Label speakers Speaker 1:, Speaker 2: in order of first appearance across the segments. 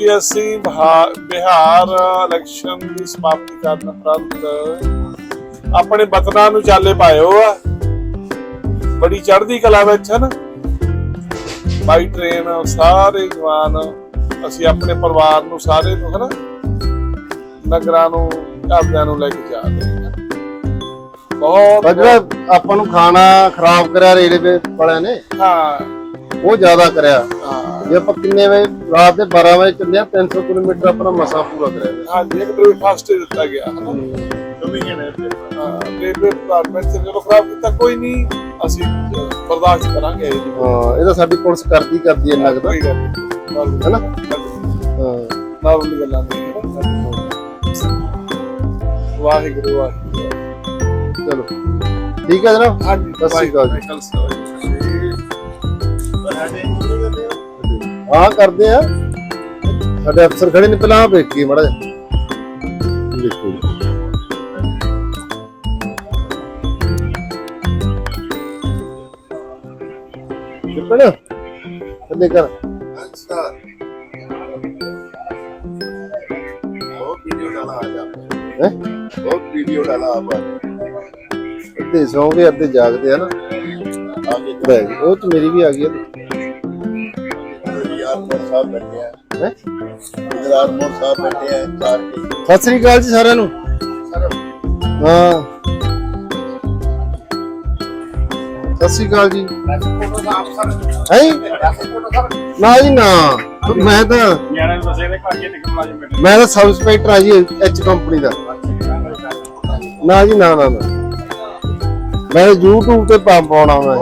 Speaker 1: कि असी बिहार इलेक्शन की समाप्ति करने उपरंत अपने वतनां नूं चाले पाए हो बड़ी चढ़दी कला विच है ना बाई ट्रेन सारे जवान असी अपने परिवार नूं सारे नूं है ना नगरां नूं घरदिआं नूं लैके जा रहे हैं
Speaker 2: बहुत ਆਪਾਂ ਨੂੰ ਖਾਣਾ ਖਰਾਬ ਕਰਿਆ ਰੇਲਵੇ ਵਾਲਿਆਂ ਨੇ ਉਹ ਜ਼ਿਆਦਾ ਕਰਿਆ ਜੇ ਆਪਾਂ ਕਿੰਨੇ ਵੇ ਰਾਤ ਦੇ 12 ਵਜੇ ਚੱਲੇ 300 ਕਿਲੋਮੀਟਰ ਆਪਣਾ ਮਸਾ ਪੂਰਾ ਕਰਿਆ
Speaker 1: ਹਾਂਜੀ ਇੱਕ ਬ੍ਰੇਕਫਾਸਟ ਦਿੱਤਾ ਗਿਆ ਰੇਲਵੇ ਡਿਪਾਰਟਮੈਂਟ से चलो खराब ਕੀਤਾ ਕੋਈ ਨਹੀਂ ਅਸੀਂ ਬਰਦਾਸ਼ਤ ਕਰਾਂਗੇ
Speaker 2: ਇਹ ਤਾਂ ਸਾਡੀ ਪੁਲਿਸ ਕਰਦੀ ਹੈ ਲੱਗਦਾ ਹੈ ਨਾ
Speaker 1: ਨਾਰਮਲੀ ਗੱਲਾਂ ਨੇ ਵਾਹਿਗੁਰੂ ਵਾਹਿਗੁਰੂ
Speaker 2: ਚਲੋ ਠੀਕ ਹੈ ਜਨਾਬ
Speaker 1: ਹਾਂਜੀ
Speaker 2: ਸਤਿ ਸ਼੍ਰੀ ਅਕਾਲ ਹਾਂ ਕਰਦੇ ਆ ਸਾਡੇ ਅਫਸਰ ਖੜੇ ਨੇ ਪਹਿਲਾਂ ਵੇਖੀਏ ਮਾੜਾ ਜਿਹਾ ਦੇਖੋ ਕਿਹੜਾ ਥੱਲੇ ਕਰ
Speaker 3: अच्छा बहुत वीडियो डाला आज आपने
Speaker 2: ਹੈ
Speaker 3: बहुत वीडियो डाला आप
Speaker 2: ਅੱਧੇ ਸੌਂਗੇ ਅੱਧੇ ਜਾਗਦੇ ਆ ਨਾ
Speaker 3: आगे
Speaker 2: ਬੈਗ ਉਹ ਤੇ ਮੇਰੀ ਵੀ ਆ ਗਈ
Speaker 3: यार मोर साहब बैठे हैं
Speaker 2: ਹੈ
Speaker 3: गुजरात मोर साहब बैठे हैं चार के
Speaker 2: ਸਤਿ ਸ੍ਰੀ ਅਕਾਲ ਜੀ ਸਾਰਿਆਂ ਨੂੰ ਹਾਂ ਸਤਿ ਸ੍ਰੀ ਅਕਾਲ ਜੀ ਹੈ ਨਾ ਜੀ ਨਾ ਮੈਂ ਤਾਂ ਸਬ ਇੰਸਪੈਕਟਰ ਆ ਜੀ ਐਚ ਕੰਪਨੀ ਦਾ ਨਾ ਜੀ ਨਾ ਮੈਂ YouTube ਤੇ ਪਾਉਣਾ ਮੈਂ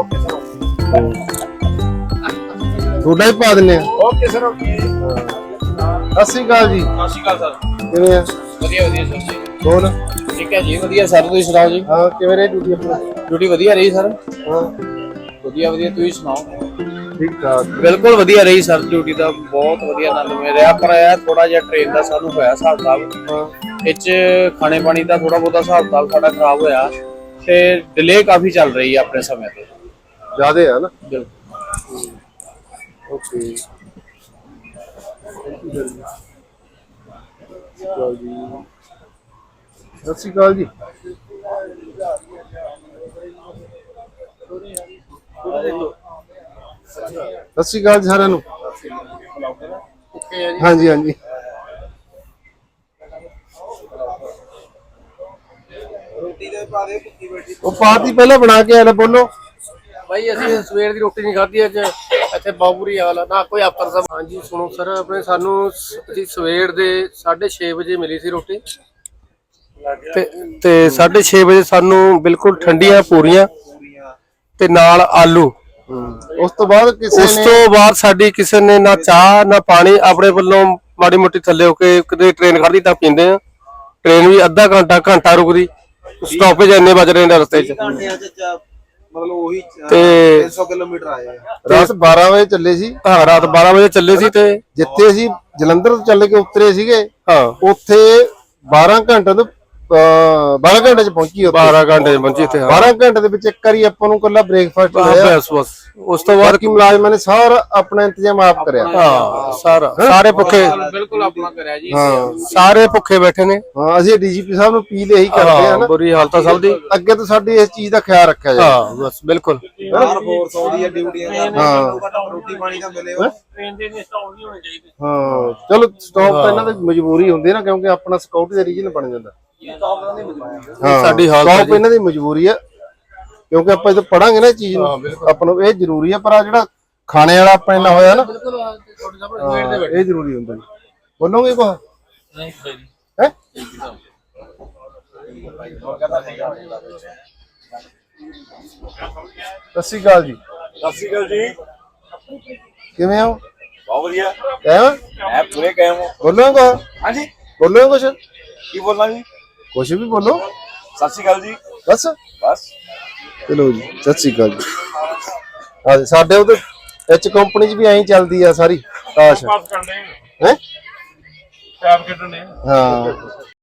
Speaker 2: ਥੋੜਾ ਹੀ ਪਾ ਦਿੰਨੇ ਆ
Speaker 4: ਓਕੇ ਸਰ ਓਕੇ
Speaker 2: ਸਤਿ ਸ੍ਰੀ ਅਕਾਲ ਜੀ
Speaker 4: ਸਤਿ ਸ਼੍ਰੀ ਅਕਾਲ ਸਰ
Speaker 2: ਕਿਵੇਂ ਆ
Speaker 4: ਵਧੀਆ ਵਧੀਆ ਸਰ ਜੀ
Speaker 2: ਹੋਰ
Speaker 4: ਠੀਕ ਹੈ ਜੀ ਵਧੀਆ ਸਰ ਤੁਸੀਂ ਸੁਣਾਓ ਜੀ
Speaker 2: ਹਾਂ ਕਿਵੇਂ ਰਹੀ ਡਿਊਟੀ ਆਪਣੀ
Speaker 4: ਡਿਊਟੀ ਵਧੀਆ ਰਹੀ ਸਰ
Speaker 2: ਹਾਂ
Speaker 4: ਵਧੀਆ ਤੁਸੀਂ ਸੁਣਾਓ
Speaker 2: ਠੀਕ ਠਾਕ
Speaker 4: ਬਿਲਕੁਲ ਵਧੀਆ ਰਹੀ ਸਰ ਡਿਊਟੀ ਦਾ ਬਹੁਤ ਵਧੀਆ ਆਨੰਦ ਮਿਲ ਰਿਹਾ ਪਰ ਇਹ ਥੋੜਾ ਜਿਹਾ ਟ੍ਰੇਨ ਦਾ ਸਾਨੂੰ ਹੋਇਆ ਹਿਸਾਬ ਕਿਤਾਬ
Speaker 2: ਹਾਂ
Speaker 4: ਵਿੱਚ ਖਾਣੇ ਪਾਣੀ ਦਾ ਥੋੜਾ ਬਹੁਤਾ ਹਿਸਾਬ ਕਿਤਾਬ ਸਾਡਾ ਖਰਾਬ ਹੋਇਆ ਤੇ ਡਿਲੇ ਕਾਫੀ ਚੱਲ ਰਹੀ ਹੈ ਆਪਣੇ ਸਮੇਂ ਤੇ
Speaker 2: ਜ਼ਿਆਦੇ ਆ ਨਾ
Speaker 4: ਬਿਲਕੁਲ
Speaker 2: ਓਕੇ ਸਤਿ ਸ਼੍ਰੀ ਅਕਾਲ ਜੀ ਸਤਿ ਸ਼੍ਰੀ ਅਕਾਲ ਜੀ ਸਾਰਿਆਂ ਨੂੰ ਹਾਂਜੀ ਹਾਂਜੀ ਉਹ ਪਾਤੀ ਪਹਿਲਾਂ ਬਣਾ ਕੇ ਆਲੇ ਬੋਲੋ
Speaker 5: ਭਾਈ ਅਸੀਂ ਸਵੇਰ ਦੀ ਰੋਟੀ ਨਹੀਂ ਖਾਧੀ ਅੱਜ ਇੱਥੇ ਬਹੁਤ ਬੁਰੀ ਹਾਲ ਆ ਨਾ ਕੋਈ ਅਫਸਰ ਸਾਹਿਬ ਹਾਂਜੀ ਸੁਣੋ ਸਰ ਆਪਣੇ ਸਾਨੂੰ ਅਸੀਂ ਸਵੇਰ ਦੇ 6:30 ਵਜੇ ਮਿਲੀ ਸੀ ਰੋਟੀ ਤੇ 6:30 ਵਜੇ ਸਾਨੂੰ ਬਿਲਕੁਲ ਠੰਡੀਆਂ ਪੂਰੀਆਂ ਤੇ ਨਾਲ ਆਲੂ
Speaker 2: ਉਸ ਤੋਂ ਬਾਅਦ
Speaker 5: ਸਾਡੀ ਕਿਸੇ ਨੇ ਨਾ ਚਾਹ ਨਾ ਪਾਣੀ ਆਪਣੇ ਵੱਲੋਂ ਮਾੜੀ ਮੋਟੀ ਥੱਲੇ ਹੋ ਕੇ ਕਿਤੇ ਟ੍ਰੇਨ ਖੜਦੀ ਤਾਂ ਪੀਂਦੇ ਆ ਟ੍ਰੇਨ ਵੀ ਅੱਧਾ ਘੰਟਾ ਰੁਕਦੀ ਸਟਾਪੇਜ ਇੰਨੇ ਵੱਜ ਰਹੇ ਨੇ ਰਸਤੇ 'ਚ
Speaker 3: मतलब वही
Speaker 5: ਤੇ
Speaker 3: 300 किलोमीटर आए
Speaker 2: ਰਾਤ 12 ਵਜੇ ਚੱਲੇ ਸੀ
Speaker 5: ਹਾਂ ਰਾਤ 12 ਵਜੇ ਚੱਲੇ ਸੀ ਤੇ
Speaker 2: ਜਿੱਥੇ ਅਸੀਂ ਜਲੰਧਰ ਤੋਂ ਚੱਲ ਕੇ ਉਤਰੇ ਸੀਗੇ
Speaker 5: ਹਾਂ
Speaker 2: ਉੱਥੇ 12 ਘੰਟੇ ਤੋਂ 12 ਘੰਟੇ ਚ ਪਹੁੰਚੀ
Speaker 5: 12 ਘੰਟੇ ਪਹੁੰਚੀ ਇੱਥੇ
Speaker 2: 12 ਘੰਟੇ ਦੇ ਵਿੱਚ ਇੱਕ ਵਾਰੀ ਆਪਾਂ ਨੂੰ ਕੱਲਾ ਬ੍ਰੇਕਫਾਸਟ ਮਿਲਿਆ
Speaker 5: ਬਸ ਉਸ ਤੋਂ ਬਾਅਦ
Speaker 2: ਬਾਕੀ ਮੁਲਾਜ਼ਮਾਂ ਨੇ ਸਾਰਾ ਆਪਣਾ ਇੰਤਜ਼ਾਮ ਆਪ ਕਰਿਆ
Speaker 5: ਹਾਂ ਸਾਰੇ ਭੁੱਖੇ
Speaker 4: ਬਿਲਕੁਲ ਆਪਣਾ ਕਰਿਆ ਜੀ
Speaker 2: ਹਾਂ
Speaker 5: ਸਾਰੇ ਭੁੱਖੇ ਬੈਠੇ ਨੇ
Speaker 2: ਹਾਂ ਅਸੀਂ ਡੀਜੀਪੀ ਸਾਹਿਬ ਨੂੰ ਅਪੀਲ ਇਹੀ ਕਰਦੇ ਆ ਨਾ
Speaker 5: ਬੁਰੀ ਹਾਲਤ ਆ ਸਭ ਦੀ
Speaker 2: ਅੱਗੇ ਤੋਂ ਸਾਡੀ ਇਸ ਚੀਜ਼ ਦਾ ਖਿਆਲ ਰੱਖਿਆ ਜਾਏ
Speaker 5: ਹਾਂ ਬਸ ਬਿਲਕੁਲ
Speaker 3: यार फोर्स होती है ड्यूटी
Speaker 2: ਹਾਂ
Speaker 3: रोटी पानी का मिले
Speaker 4: ਟ੍ਰੇਨ ਦੇ ਨੇ ਸਟਾਪ ਨਹੀਂ ਹੋਣੇ ਚਾਹੀਦੇ
Speaker 2: ਹਾਂ ਚਲੋ ਸਟਾਪ ਤਾਂ ਇਹਨਾਂ ਦੀ ਮਜਬੂਰੀ ਹੁੰਦੀ ਹੈ ਨਾ ਕਿਉਂਕਿ ਆਪਣਾ ਸਿਕਿਉਰਿਟੀ ਦਾ ਰੀਜਨ ਬਣ ਜਾਂਦਾ ਹਾਂ
Speaker 5: ਸਾਡੀ ਹਾਲਤ
Speaker 2: ਸਟਾਪ ਇਹਨਾਂ ਦੀ ਮਜਬੂਰੀ ਹੈ ਕਿਉਂਕਿ ਆਪਾਂ ਜਦੋਂ ਪੜਾਂਗੇ ਨਾ ਇਹ ਚੀਜ਼ ਨੂੰ ਆਪਾਂ ਨੂੰ ਇਹ ਜ਼ਰੂਰੀ ਹੈ ਪਰ ਆ ਜਿਹੜਾ ਖਾਣੇ ਵਾਲਾ ਆਪਣੇ ਨਾਲ ਹੋਇਆ ਨਾ ਇਹ ਜ਼ਰੂਰੀ ਹੁੰਦਾ ਜੀ ਬੋਲੋਗੇ ਕੋ
Speaker 4: ਨਹੀਂ
Speaker 2: ਹੈ ਸਤਿ ਸ਼੍ਰੀ ਅਕਾਲ ਜੀ
Speaker 1: ਸਤਿ ਸ਼੍ਰੀ ਅਕਾਲ ਜੀ
Speaker 2: ਕਿਵੇਂ ਹੋ
Speaker 1: ਬਹੁਤ ਵਧੀਆ
Speaker 2: ਕਿਵੇਂ
Speaker 1: ਮੈਂ ਪੂਰੇ ਕਾਇਮ ਹਾਂ
Speaker 2: ਬੋਲੋਗੇ ਕੋ
Speaker 1: ਹਾਂਜੀ
Speaker 2: ਬੋਲੋਗੇ ਕੁਛ
Speaker 1: ਕੀ ਬੋਲਣਾ ਜੀ
Speaker 2: ਕੁਛ ਵੀ ਬੋਲੋ
Speaker 1: ਸਤਿ ਸ਼੍ਰੀ ਅਕਾਲ ਜੀ
Speaker 2: ਬਸ
Speaker 1: ਬਸ
Speaker 2: ਚਲੋ ਜੀ ਸਤਿ ਸ਼੍ਰੀ ਅਕਾਲ ਜੀ ਹਾਂ ਸਾਡੇ ਉਹਦੇ ਐਚ ਕੰਪਨੀ 'ਚ ਵੀ ਐਂ ਚੱਲਦੀ ਆ ਸਾਰੀ ਤਾਸ਼
Speaker 1: ਪਾਸ ਕਰਨੇ
Speaker 2: ਹੈ
Speaker 1: ਪੈਪ ਖੇਡਣੇ
Speaker 2: ਹਾਂ